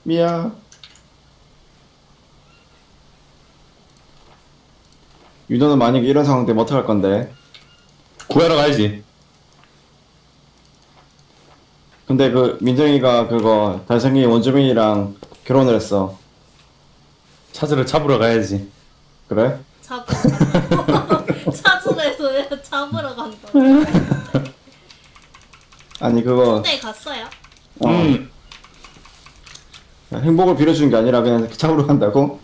미야. 유도는 만약에 이런 상황 되면 어떡할 건데? 구하러 가야지. 근데 그 민정이가 그거 달성이 원주민이랑 결혼을 했어. 찾으러 잡으러 가야지. 그래? 잡으러 간다고. 찾으래서 왜 잡으러 간다고. 아니 그거 군대 갔어요? 음. 행복을 빌어주는 게 아니라 그냥 잡으러 간다고?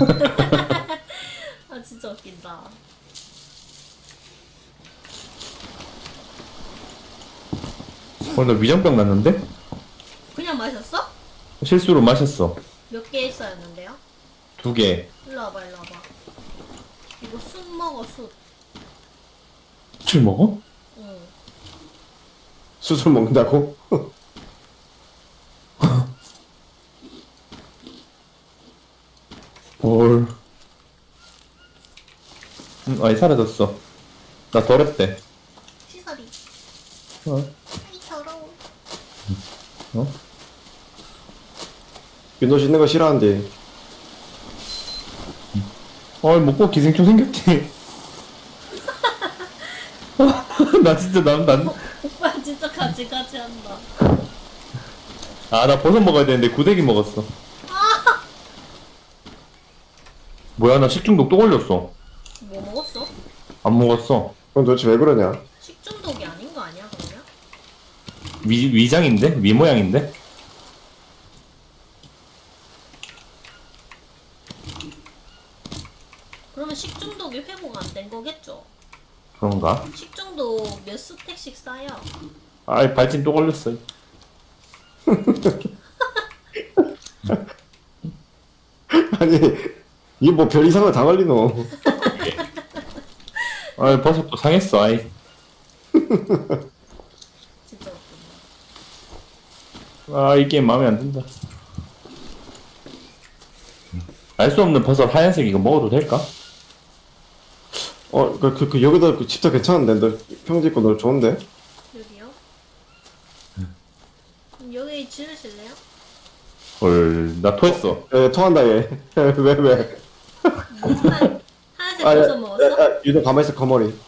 아 진짜 웃긴다. 오늘 나 위장병 났는데? 그냥 마셨어? 실수로 마셨어. 몇 개 있어였는데요? 2개. 일로 와봐 일로 와봐. 이거 술 먹어 술. 술 먹어? 응. 수술 먹는다고? 뭘. 아니, 사라졌어. 나 더럽대. 시설이. 어? 아이 더러워. 어? 윤도 씻는 거 싫어한대. 먹고 기생충 생겼지. 나 진짜, 오빠 진짜 가지가지 한다. 나 버섯 먹어야 되는데 구데기 먹었어. 뭐야, 나 식중독 또 걸렸어. 뭐 먹었어? 안 먹었어. 그럼 도대체 왜 그러냐? 식중독이 아닌 거 아니야 그러면? 위장인데? 위 모양인데? 그러면 식중독이 회복 안 된 거겠죠? 그런가? 식중독 몇 스택씩 쌓여? 아이, 발진 또 걸렸어. 아니 이게 뭐 별 이상을 다 걸리노? 아이, 버섯도 상했어, 아이. 진짜 웃긴다. 이 게임 마음에 안 든다. 알 수 없는 버섯 하얀색 이거 먹어도 될까? 여기다 그 집도 괜찮은데 너 평지 있고 너 좋은데? 여기요? 그럼 여기 지으실래요? 헐, 나 토했어. 에 토한다 얘. 왜 왜? 하얀색 버섯 먹었어? 유도 가만히 있어 거머리.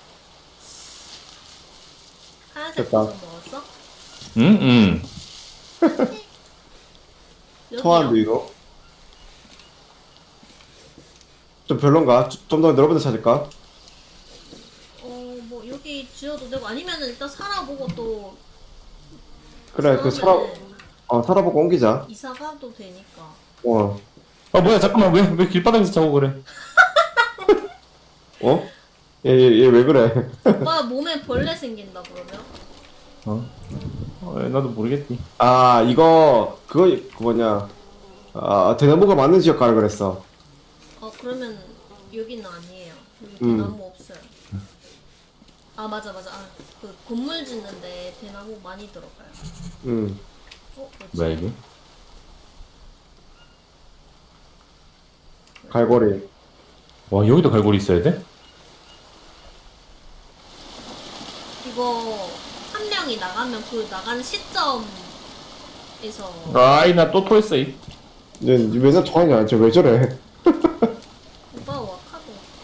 하얀색 됐다. 버섯 먹었어? 응? 토한데 여기요? 이거. 좀 별론가? 좀 더 넓은 데 찾을까? 뭐 여기 지어도 되고 아니면은 일단 살아보고 또 그래 그 살아보고 옮기자. 이사 가도 되니까. 어. 뭐야, 잠깐만, 왜 길바닥에서 자고 그래? 어? 얘 왜 그래? 오빠 몸에 벌레 생긴다 그러면? 나도 모르겠지. 아 이거 그 뭐냐? 대나무가 많은 지역 가라 그랬어. 그러면 여기는 아니에요. 여기 음. 대나무 없어요. 아 맞아. 그 건물 짓는데 대나무 많이 들어가요. 음. 뭐지? 뭐야, 이게? 갈고리. 와, 여기도 갈고리 있어야 돼? 이거 한 명이 나가면 그 나가는 시점에서 나 또 토했어, 얘 맨날 토하냐? 쟤왜 저래? 오빠 와카도.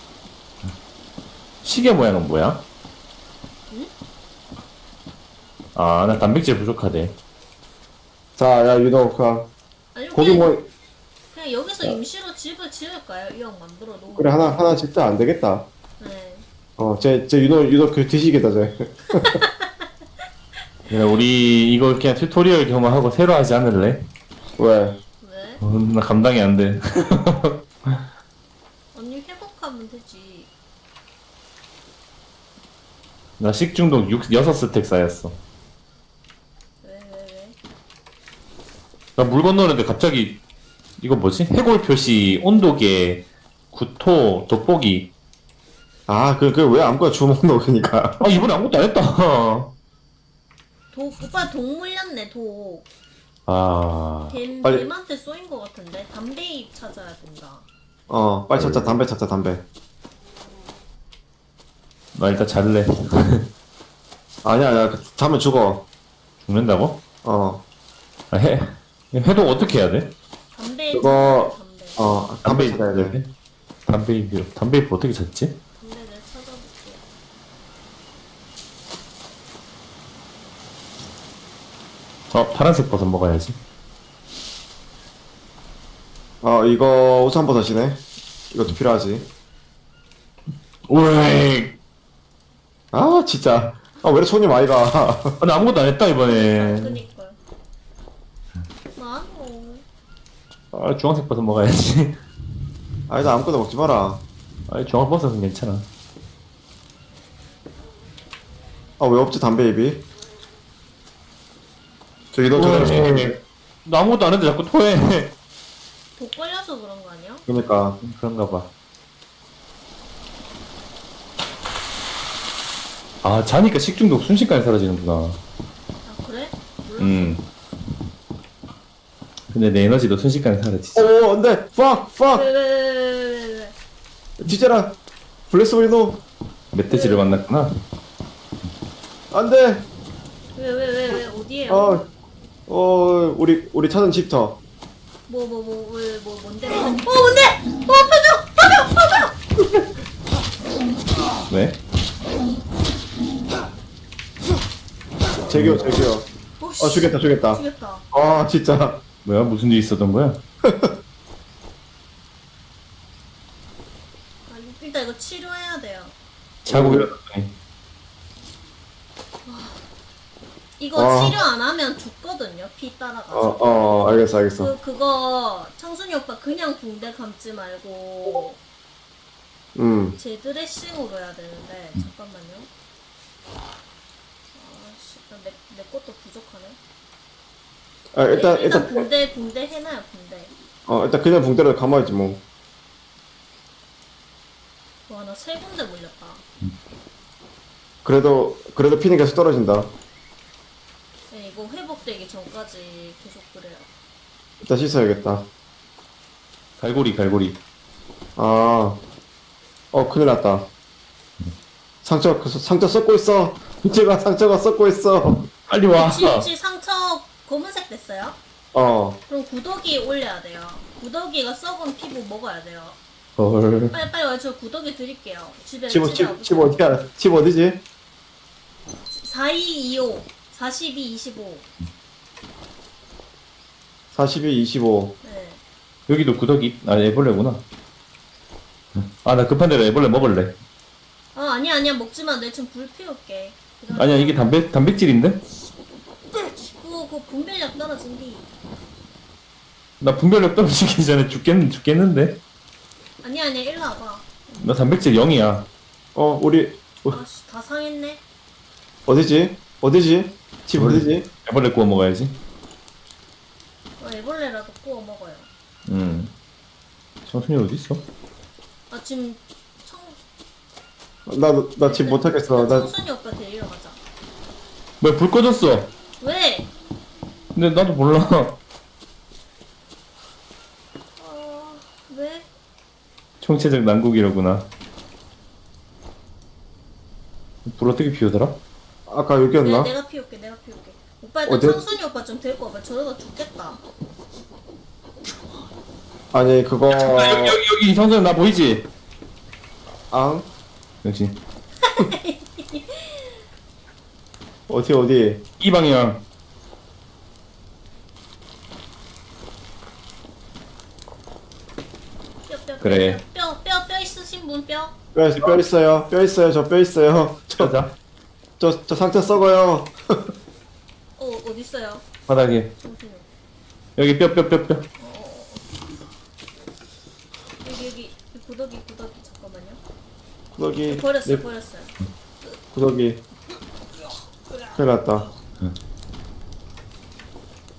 시계 모양은 뭐야? 응? 나 단백질 부족하대. 자, 야 유도 아니 고기 뭐 그냥 여기서 임시로 집을 지을까요? 이왕 만들어 놓은 그래 하나 진짜 안 되겠다. 네. 쟤 유도 그 뒤지겠다 쟤. 야, 우리 이거 그냥 튜토리얼 경험하고 새로 하지 않을래? 왜? 왜? 나 감당이 안 돼. 언니 회복하면 되지. 나 식중독 6스택 쌓였어. 왜? 나 물 건너는데 갑자기 이거 뭐지? 해골 표시, 온도계, 구토, 돋보기. 그 왜 아무거나 주먹 넣어 그니까. 이번에 아무것도 안 했다. 오빠 독 물렸네 독. 빨리. 뱀한테 쏘인 것 같은데 담배잎 찾아야 된다. 빨리 찾자 담배 찾자 담배. 나 일단 잘래. 아니야 자면 죽어. 죽는다고? 어. 해독 어떻게 해야 돼? 그거 담배. 담배 찾아야 돼. 담배 어떻게 찾지? 담배를 찾아볼게요. 파란색 버섯 먹어야지. 이거 우산버섯이네. 이것도 필요하지. 오이. 진짜. 왜 이렇게 손이 많이 가. 나 아무것도 안 했다 이번에. 그니까요. 많어. 주황색 버섯 먹어야지. 나 아무거나 먹지 마라. 주황 버섯은 괜찮아. 왜 없지, 담배 입이? 저기 너 저기. 나 아무것도 안 했는데 자꾸 토해. 독 걸려서 그런 거 아니야? 그러니까. 그런가 봐. 자니까 식중독 순식간에 사라지는구나. 아 그래? 몰라. 근데 내 에너지도 순식간에 사라지지. 안 돼! 팍! 왜? 뒤져라! 블레스 브리노! 멧돼지를 만났구나. 안 돼! 왜 어디에요? 우리 찾은 집터. 뭔데? 뭔데? 펴줘! 왜? 제기요. 죽였다. 죽였다. 진짜. 뭐야? 무슨 일 있었던 거야? 일단 이거 치료해야 돼요. 자고 일어났더니. 이거 치료 안 하면 죽거든요. 피 따라가지고. 알겠어. 그거 창순이 오빠 그냥 붕대 감지 말고 제 드레싱으로 해야 되는데 잠깐만요. 내 것도 부족하네. 일단 붕대 해놔요. 붕대. 일단 그냥 붕대로 감아야지 뭐. 와, 나 세 군데 물렸다. 그래도 피는 계속 떨어진다. 네, 이거 회복되기 전까지 계속 그래요. 일단 씻어야겠다. 갈고리. 큰일 났다. 상처 썩고 있어. 제가 상처가 썩고 있어. 빨리 와. 혹시 상처 검은색 됐어요? 그럼 구더기 올려야 돼요. 구더기가 썩은 피부 먹어야 돼요. 헐. 빨리 와요. 저 구더기 드릴게요. 집에 집 어디야? 집 어디지? 4225 42 25 42, 25. 네. 여기도 구더기. 애벌레구나. 나 급한 대로 애벌레 먹을래. 아니야 먹지마. 내 지금 불 피울게. 아니야, 이게 단백질인데? 그거 분별력 떨어진 뒤. 나 분별력 떨어지기 전에 죽겠는데? 아니야 일로 와봐. 나 단백질 0이야. 우리 아씨 다 상했네. 어디지? 집 어디지? 애벌레 구워 먹어야지. 애벌레라도 구워 먹어요. 청순이 어디 있어? 지금 나 집 못하겠어. 청순이 오빠 데리러 가자. 뭐야, 불 꺼졌어. 왜? 근데 나도 몰라. 왜? 총체적 난국이로구나. 불 어떻게 피우더라? 아까 여기였나? 내가 피울게. 오빠 일단 어디? 청순이 오빠 좀 데리고 와봐. 저러다 죽겠다. 아니 그거 여기 청순이 나 보이지? 역시. 어디? 이 방향. 그래. 뼈 있으신 분 뼈? 뼈 있어요. 저 뼈 있어요. 가자. 저 상처 썩어요. 어딨어요? 바닥에. 청순이 오빠. 여기 뼈. 여기 구더기 잠깐만요. 구더기. 버렸어요. 구더기. 큰일 났다.